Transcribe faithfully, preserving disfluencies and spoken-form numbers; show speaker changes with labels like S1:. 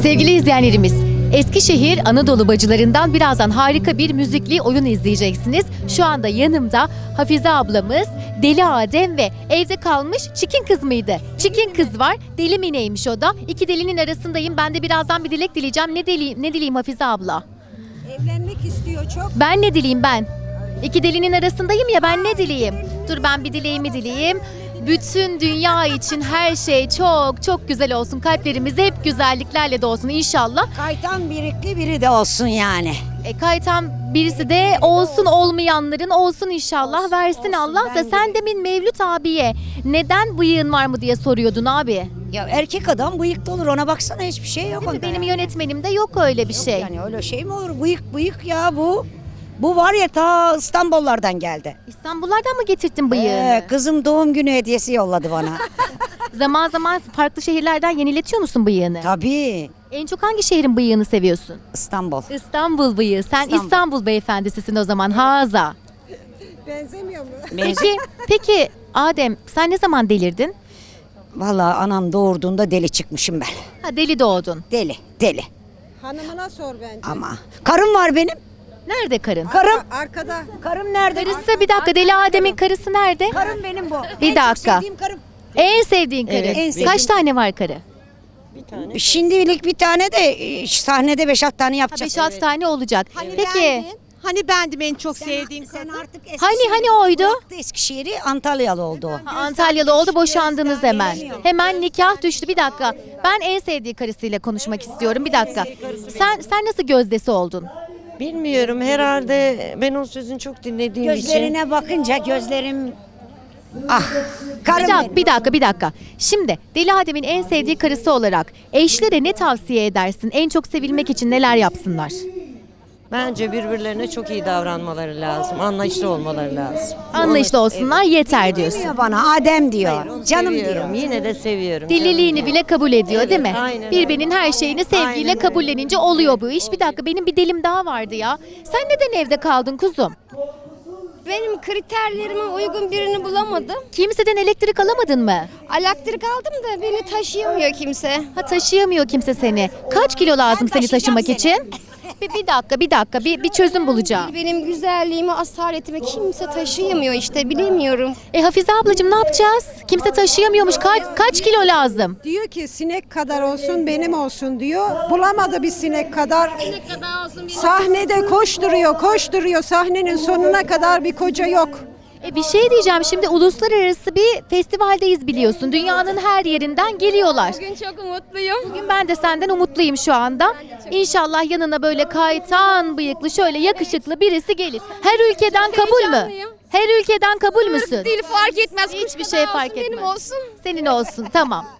S1: Sevgili izleyenlerimiz, Eskişehir Anadolu bacılarından birazdan harika bir müzikli oyun izleyeceksiniz. Şu anda yanımda Hafize ablamız, Deli Adem ve evde kalmış Çikin kız mıydı? Çikin kız var, Deli Mine'ymiş o da. İki delinin arasındayım. Ben de birazdan bir dilek dileyeceğim. Ne dileyim, ne dileyim Hafize abla?
S2: Evlenmek istiyor çok.
S1: Ben ne dileyim ben? İki delinin arasındayım ya, ben ne dileyim? Dur ben bir dileğimi dileyeyim. Bütün dünya için her şey çok çok güzel olsun. Kalplerimiz hep güzelliklerle dolsun inşallah.
S2: Kaytan birikli biri de olsun yani.
S1: E, kaytan birisi de olsun, olmayanların olsun inşallah,
S2: Olsun,
S1: versin
S2: olsun,
S1: Allah da.
S2: ben de.
S1: Sen demin Mevlüt abiye neden bıyığın var mı diye soruyordun abi.
S2: Ya erkek adam bıyıklı olur, ona baksana, hiçbir şey yok onda.
S1: Benim
S2: yani.
S1: yönetmenimde yok öyle bir
S2: Yok
S1: şey.
S2: Yani öyle şey mi olur? Bıyık bıyık ya bu. Bu var ya, ta İstanbullardan geldi.
S1: İstanbullardan mı getirdin bıyığını?
S2: Ee, kızım doğum günü hediyesi yolladı bana.
S1: Zaman zaman farklı şehirlerden yeniletiyor musun bıyığını?
S2: Tabii.
S1: En çok hangi şehrin bıyığını seviyorsun?
S2: İstanbul.
S1: İstanbul bıyığı. Sen İstanbul,
S2: İstanbul.
S1: beyefendisisin o zaman. Haza.
S3: Benzemiyor mu?
S1: Peki, peki Adem sen ne zaman delirdin?
S2: Vallahi anam doğurduğunda deli çıkmışım ben.
S1: Ha, deli doğdun.
S2: Deli, deli.
S3: Hanımına sor bence.
S2: Ama karım var benim.
S1: Nerede karın?
S2: Karım.
S3: Arkada.
S2: Karım nerede?
S1: Karısı bir dakika, Deli Adem'in karısı nerede?
S2: Karım benim bu.
S1: Bir
S2: En çok
S1: dakika.
S2: sevdiğim karım.
S1: En sevdiğin karı.
S2: Evet, en sevdiğim.
S1: Kaç tane var karı?
S2: Şimdilik bir tane de e, sahnede beş altı tane
S1: Ha,
S2: yapacağız.
S1: beş altı tane olacak. Peki
S4: Bendin. Hani bendim en çok sevdiğim
S2: Sen
S4: kadın.
S2: artık
S1: hani
S2: Eskişehir'i
S1: hani oydu?
S2: bıraktı, Eskişehir'i, Antalyalı oldu o.
S1: Ha, Antalyalı oldu, boşandınız hemen. Hemen nikah düştü. Bir dakika. Ben en sevdiği karısıyla konuşmak istiyorum. Bir dakika. Sen sen nasıl gözdesi oldun?
S4: Bilmiyorum, herhalde ben o sözünü çok dinlediğim için.
S2: Gözlerine bakınca gözlerim ah
S1: Bir
S2: karım
S1: dakika,
S2: benim.
S1: bir dakika, bir dakika. Şimdi Deli Adem'in en sevdiği karısı olarak eşlere ne tavsiye edersin? En çok sevilmek için neler yapsınlar?
S4: Bence birbirlerine çok iyi davranmaları lazım. Anlayışlı olmaları lazım.
S1: Anlayışlı olsunlar yeter diyorsun.
S2: Demiyor bana Adem diyor.
S4: Onu
S2: Canım
S4: seviyorum.
S2: diyor.
S4: Yine de seviyorum.
S1: Deliliğini
S4: Canım
S1: bile kabul ediyor
S4: Evet,
S1: değil mi?
S4: aynen
S1: Birbirinin
S4: öyle.
S1: her şeyini sevgiyle
S4: Aynen öyle.
S1: kabullenince oluyor bu iş. Bir dakika, benim bir delim daha vardı ya. Sen neden evde kaldın kuzum?
S5: Benim kriterlerime uygun birini bulamadım.
S1: Kimseden elektrik alamadın mı?
S5: Elektrik aldım da beni taşıyamıyor kimse.
S1: Ha, taşıyamıyor kimse seni. Kaç kilo lazım seni
S2: taşıyacağım
S1: taşımak
S2: seni.
S1: için? Bir, bir dakika, bir dakika. Bir, bir çözüm bulacağım.
S5: Benim güzelliğimi, asaletimi kimse taşıyamıyor işte, bilemiyorum.
S1: E Hafize ablacığım ne yapacağız? Kimse taşıyamıyormuş. Kaç, kaç kilo lazım?
S3: Diyor ki sinek kadar olsun benim olsun diyor. Bulamadı bir sinek kadar. Sahnede koşturuyor koşturuyor. Sahnenin sonuna kadar bir koca yok.
S1: E bir şey diyeceğim, şimdi uluslararası bir festivaldeyiz biliyorsun. Dünyanın her yerinden geliyorlar.
S5: Bugün çok umutluyum.
S1: Bugün ben de senden umutluyum şu anda. İnşallah yanına böyle kaytan bıyıklı, şöyle yakışıklı birisi gelir. Her ülkeden kabul mü?
S5: heyecanlıyım.
S1: Her ülkeden kabul müsün?
S5: Değil, fark etmez.
S1: Hiçbir
S5: Kuş
S1: şey
S5: kadar
S1: fark
S5: olsun,
S1: etmez.
S5: benim olsun.
S1: Senin olsun, tamam.